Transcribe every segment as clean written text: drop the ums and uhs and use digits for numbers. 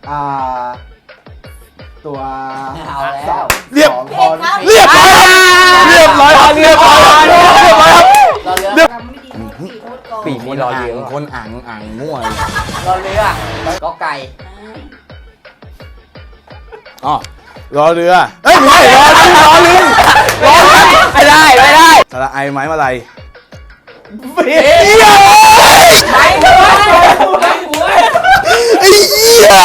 อ่าตัวเอาแล้วเรียบพรเรียบร้อยครับเรียบร้อยครับเรียบร้อยครับเรียบร้อยครับเราเรือเรียบทำไม่ดีโทษปีโทษกองปีมีรอเรือคนอ่างมั่วเราเรือก็ไก่อ๋อรอเรือเอ้ยไม่รอลิงไม่ได้สระไอไม้มาลัยเบี้ยไม่หัวไม่หัวไอ้เหี้ย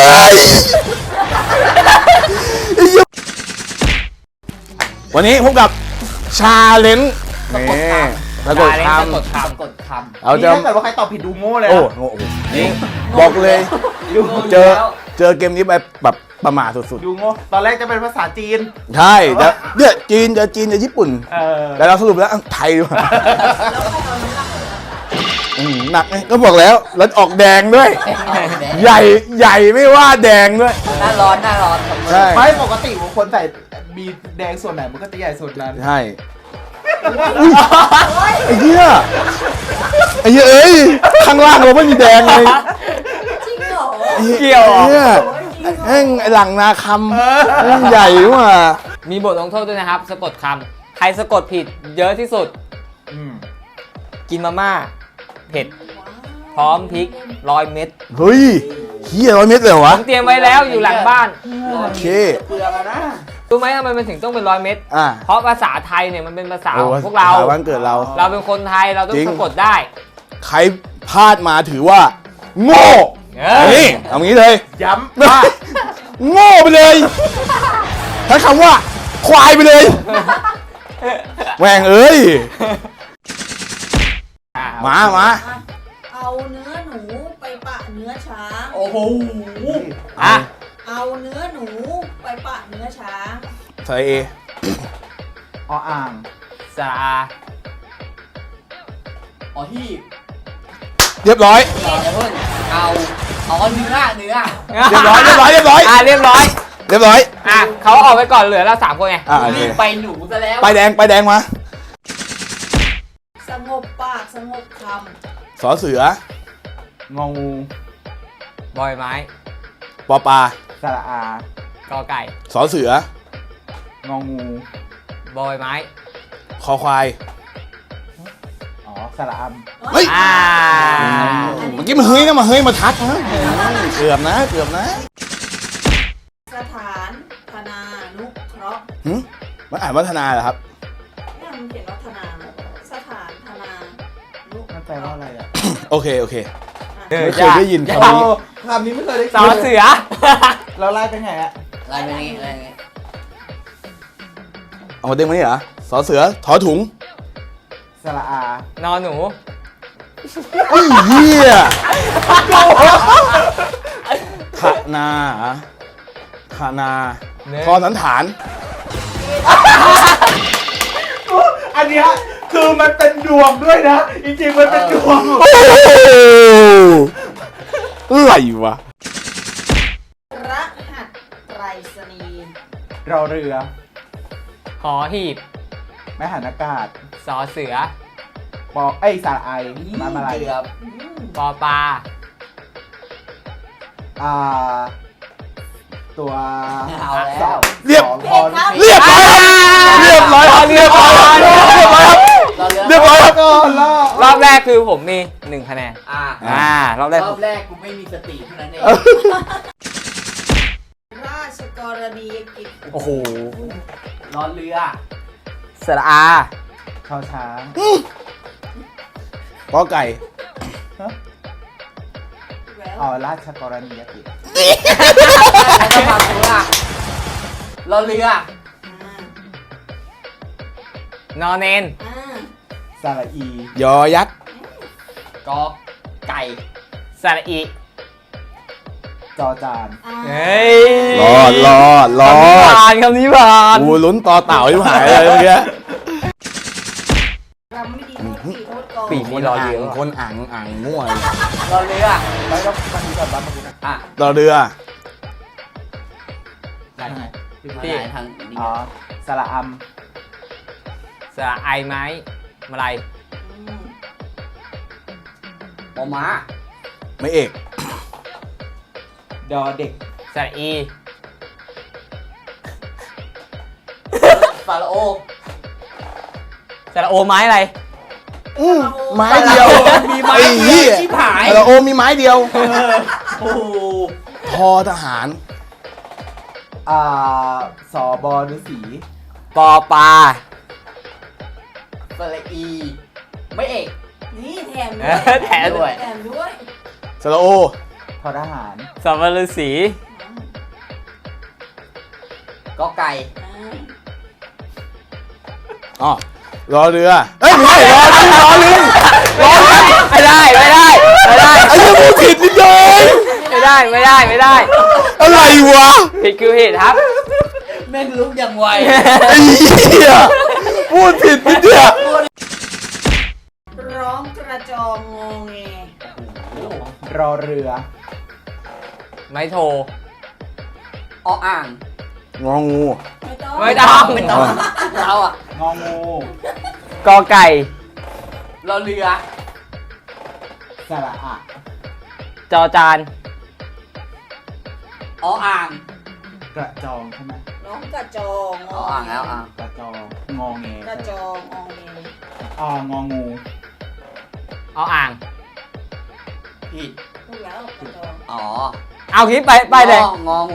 วันนี้พบกับชาเลนจ์นี่สะกดคกดคำเรานี่จะถ้าเกิดว่าใครตอบผิดดูโง่เลยโอ้นะโหนี่บอกเลยำเจอเกมนี้แบบประมาทสุดดูโง่ตอนแรกจะเป็นภาษาจีนๆ ใช่แต่เนี่ยจีนจะญี่ปุ่นอแต่เราสรุปแล้วไทยดีกว่าหนักไงก็บอกแล้วแล้วออกแดงด้วย ใหญ่ไม่ว่าแดงด้วยหน้าร้อนใช่ไม่ปกติบางคนใส่มีแดงส่วนไหนมันก็จะใหญ่ส่วนนั้นใช่อุ๊ยไอ้เหี้ยเอ้ยข้างล่างเราไม่มีแดงเลยจริงเหรอเกี่ยวไอ้เหี้ยแม่งไอ้หลังนาคำแม่งใหญ่ว่ะมีบทลงโทษด้วยนะครับสะกดคำใครสะกดผิดเยอะที่สุด กินมาม่าเผ็ดพร้อมพริก100 เม็ดเฮ้ยเหี้ย100 เม็ดเลยเหรอผวะมเตรียมไว้แล้วอยู่หลังบ้านโอเคเปลือกอะนะรู้ไหมทำไมมันถึงต้องเป็น100 เม็ดอ่ะเพราะภาษาไทยเนี่ยมันเป็นภาษาของพวกเราภษวันเกิดเราเราเป็นคนไทยเราต้อจริงงสะกดได้ใครพลาดมาถือว่า โง่ นี่เอางี้เลยย้ำไม่โง่ไปเลยใช้คำว่า ควายไปเลยแหวงเอ้ย มาเอาเนื้อหนูไปปะเนื้อช้างโอ้โหอ่ะเอาเนื้อหนูไปปะเนื้อช้างใส่เออ่างสระอาที่เรียบร้อยอย่าเพิ่งเอาเนื้อเรียบร้อยเรียบร้อยเรียบร้อยเรียบร้อยอ่ะเขาออกไปก่อนเหลือเรา3 คนไงอ่ะโอเครีบไปหนูซะแล้วไปแดงมาสงบปากสงบคสอเสืององูบอยไม้ปอปลาสระอากอไก่สอเสืององูบอยไม้คอควายอ๋อสระอำเฮ้ยอ่าเมื่อกี้มันเฮ้ยนะมาเฮ้ยมาทักนะเกือบนะสถานธนานุเคราะห์หึมันอ่านวัฒนาเหรอครับเนี่ยมันเขียนว่าธนาสถานธนานุำมันแปลว่าอะไรอ่ะโอเคเออไม่เคยได้ยินอย่าคำนี้คำนี้ไม่เคยได้สอเสือเราไล่เป็นไงอะอะไรนี้เอามาเด้งมานี่เหรอสอเสือถอถุงสระอานอนหนูไอ้เหี้ยขนาขนาทอสันฐานอันเนี้ยคือมันเป็นดวงด้วยนะ จริงๆมันเป็นดวงโอ้โหอะไรวะรหัสไปรษณีย์รอเรือหอหีบแม่หันอากาศสอเสือปอเอ้ยสระไอมาอะไรปอปลาอ่าตัวเอาแล้วสองเรียบสองพรเรียบร้อยครับเรียบร้อยครับเรียบร้อยครับเรียบร้อยครับเรียบร้อยครับก็รอรอบแรกคือผมมี1 คะแนน รอบแรกรอบแรกกูไม่มีสติเท่านั้นเองราชกรณียกิจโอ้โหนอนเรือสระอาชอช้างกอไก่แล้วอ๋อราชกรณียกิจแล้วก็มาตัวรอเรือนอนเนนสระอียอยักษ์กอไก่สระอีจอจานเฮ้ยรอดคำนี้ผ่านกูลุ้นต่อเต่าที่หายเลยเมื่อกี้รำไม่ดีโทษปีโทษกองปีมีรอเรือคนอ่างมั่วรอเรือแล้วก็มันมีก่อนบ้างมันมีนะอ่ะรอเรือได้ไงพี่ทางนี้อ๋อสระอัมสระไอไม้มาลัยปอม้าไม่เอกบดอเด็กสระอีฟาโรโอสระโอไม้อะไรไม้เดียวมีไม้ไอ้เดีเหี้ยวย ชิบหายเราโอมีไม้เดียวโอ้โหทอทหารสอบอฤาษีปอปลาสระอี ไม่เอกนี่แถมเอด้วยอแถมด้วยแถมด้วยสระโอทอทหารสัมฤาษีกอไก่อ๋อรอเรือเอ้ยไม่ใช่รอลิงรอลิงไม่ได้ไม่ได้ไม่ได้ไอ้เหี้ยพูดผิดนิดเดียวเองไม่ได้ไม่ได้ไม่ได้อะไรวะผิดคือผิดครับแม่งลุกอย่างไวไอ้เหี้ยพูดผิดนิดเดียวร้องกระจองงอแงรอเรือไม้โทรออ่างงองูไม่ต้องไม่ต้องไม่ต้องเราอ่ะงองูกอไก่รอเรือสระอะจอจานออ่างกระจองใช่ไหมร้องกระจองออ่างแล้วอ่างกระจองงอแงกระจองงอแงงองูเอาอ่างผิดถูกแล้วกระจองอ๋อเอาคิดไปเลยงองู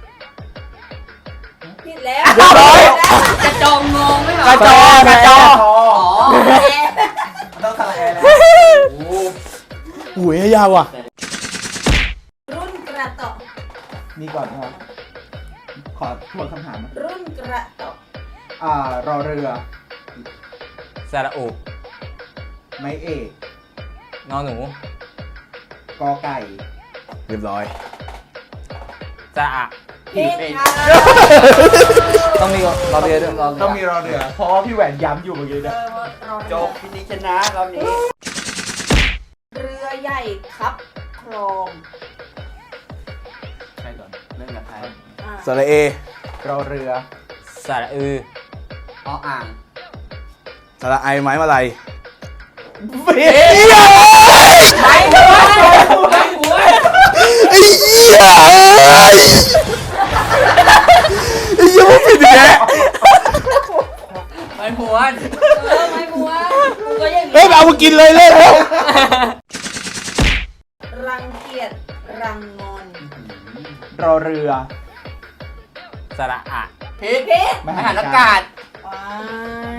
ผิดแล้วเรียบร้อยกระจองงงไม่เหรอกระจอกระจออ๋อต้องสระแอร์แล้วโอ้โหหุยยาวว่ะรุ่นกระต่อนี่ก่อนนะครับขอทวนคำถามนะรุ่นกระต่อรอเรือสระอุไม้เอกนอหนูกอไก่เรียบร้อยสระอะผิดค่ะต้องมีรอเรือด้วยต้องมีรอเรือ เพราะว่าพี่แหวนย้ำอยู่เมื่อกี้เอนะอรอจบพินิจชนะรอบนี้เรือใหญ่ครับคลองใช่ก่อนเรื่องกับใครอ่ะสระเอรอเรือสระอือออ่างสระไอไม้มาลัยเบี้ยไม้หัวไม้หัวไอ้เหี้ยเอ้ยไอ้เหี้ยพูดผิดอีกแล้วไม้หัวไม่บัวกูก็อย่างเฮ้ยเอามากินเลยเลยแล้วรังเกียจรังงอนรอเรือสระอะพิษเพชรมหาอากาศว้าย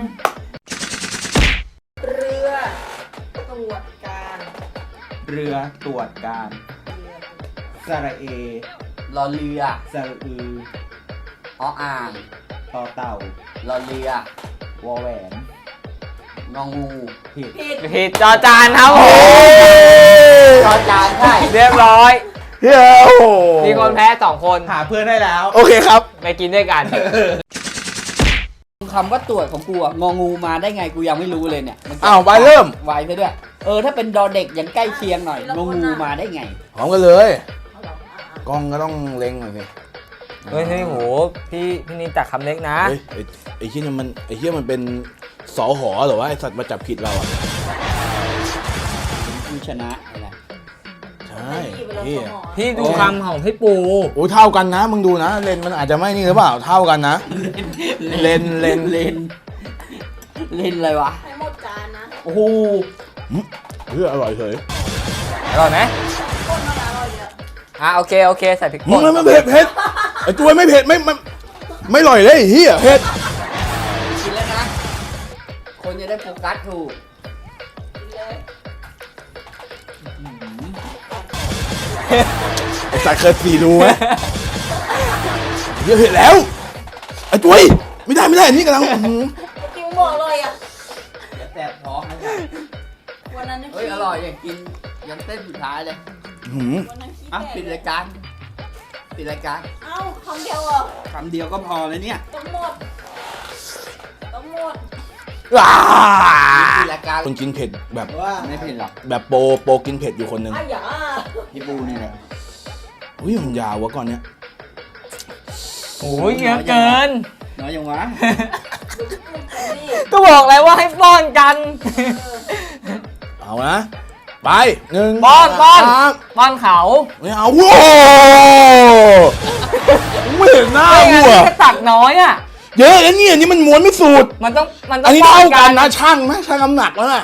เรือตรวจการเรือตรวจการเรือสระเอรอเรือสระอือออ่างต่อเต่ารอเรือวอแหวนงองูผิดผิดผิดจอจานครับผโอ้มจอจานใช่เรียบร้อยเฮ้ยโอ้โหมีคนแพ้2 คนหาเพื่อนได้แล้วโอเคครับไปกินด้วยกันคำว่าตรวจของกูอะงองูมาได้ไงกูยังไม่รู้เลยเนี่ยมันอ้าวไปเริ่มไวไปด้วย ถ้าเป็นดอเด็กยังใกล้เคียงหน่อยงองูมาได้ไงพร้อมกันเลยเอาเหรออ่ะกล้องก็ต้องเล็งหน่อยสิเฮ้ยโหพี่นินตักคำเล็กนะเฮ้ยไอ้เหี้ยมันเป็นสอหอเหรอวะไอ้สัตว์มาจับผิดเราอ่ะกูชนะอะไรใช่ไม่ดีพี่ไปแล้วสมองพี่ดูคำของพี่ปูโอ้เท่ากันนะมึงดูนะเลนมันอาจจะไม่นี่หรือเปล่าเท่ากันนะ เลนเล่นอะไรวะให้หมดจานนะโอ้โหเฮ้ยอร่อยเฉยอร่อยไหมคนมาแล้วเราเยอะโอเคใส่พริกมึป่งนไม่เผ็ดไอ้ตัวไม่เผ็ดไม่อร่อยเลยไอ้เฮียเผ็ดกินแล้วนะ คนจะได้โฟกัสถูกกินเลยไอ้สัตว์เคยสีดูไหมเฮียเผ็ดแล้วไอ้ตัวไม่ได้อันนี้กำลังกินบอกเลยอ่ะจะแสบท้องนะเนี่ยวันนั้นเฮ้ยอร่อยอยากกินยันเต้นสุดท้ายเลยวันนั้นขี้อ่ะแตกปิดรายการปิดรายการเอ้าคำเดียวเหรอคำเดียวก็พอเลยเนี่ยต้องหมดต้องหมดปิดรายการคนกินเผ็ดแบบว่าไม่เผ็ดหรอกแบบโปกินเผ็ดอยู่คนหนึ่งอ้าวอย่าพี่ปูนี่แหละอุ้ยมันยาววะก่อนเนี้ยโอ้ยเยอะเกินน้อยยังวะนี่ก็บอกแล้วว่าให้ป้อนกันเอานะไปหนึ่งป้อนสามป้อนเขาไม่เอาโว้ไม่เห็นหน้าไม่งั้นวัวแค่ตักน้อยอ่ะเยอะแล้วเนี่ยนี่มันม้วนไม่สุดมันต้องอันนี้ป้เท่าอกันนะช่างไหมช่างน้ำหนักแล้วนะ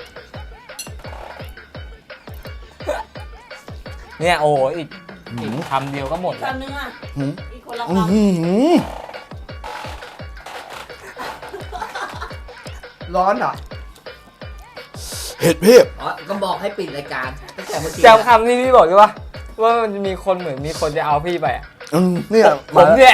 เนี่ยโอ้โหอีกคำเดียวก็หมดคแล้วนนึงอ่ะหืมอีกคนละอื้อคำหือร้อนเหรอเผ็ดเพียบอ๋อก็บอกให้ปิดรายการตั้งแต่เมื่อกี้จำคำที่พี่บอกใช่ปะว่ามันจะมีคนเหมือนมีคนจะเอาพี่ไปอะเนี่ยผมเนี่ย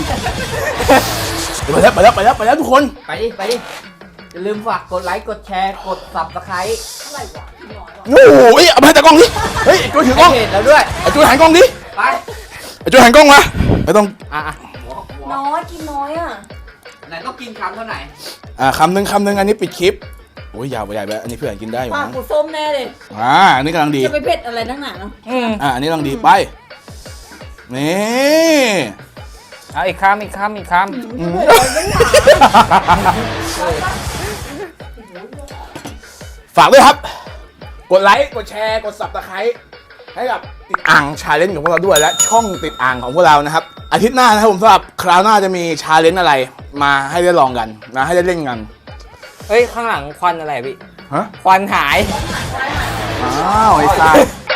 ไปแล้วทุกคนไปดิอย่าลืมฝากกดไลค์กดแชร์กด Subscribe อะไรวะกินน้อยว่ะโอ้โหเอาไปให้ตากล้องดิเฮ้ยไอ้จุ้ยถือกล้องให้เพจเราด้วยไอ้จุ้ยหันกล้องดิไปไอ้จุ้ยหันกล้องมาไม่ต้องอ่ะน้อยกินน้อยอ่ะไหนต้องกินคำเท่าไหร่คำหนึ่งอันนี้ปิดคลิปโอ้ยยาวไปใหญ่ไปอันนี้เพื่อนกินได้อยู่ปากนะกูส้มแน่เลยอันนี้กำลังดีจะไปเผ็ดอะไรนักหนาเนาะอันนี้กำลังดีไปนี่เอาอีกคำฝากด้วยครับ กดไลค์กดแชร์กด Subscribe ให้กับติดอ่างชาเลนจ์ของพวกเราด้วยและช่องติดอ่างของพวกเรานะครับอาทิตย์หน้านะครับผมสำหรับคราวหน้าจะมีชาเลนจ์อะไรมาให้ได้ลองกันนะให้ได้เล่นกันเฮ้ยข้างหลังควันอะไรพี่ฮะควันหายอ้าวไอ้สัส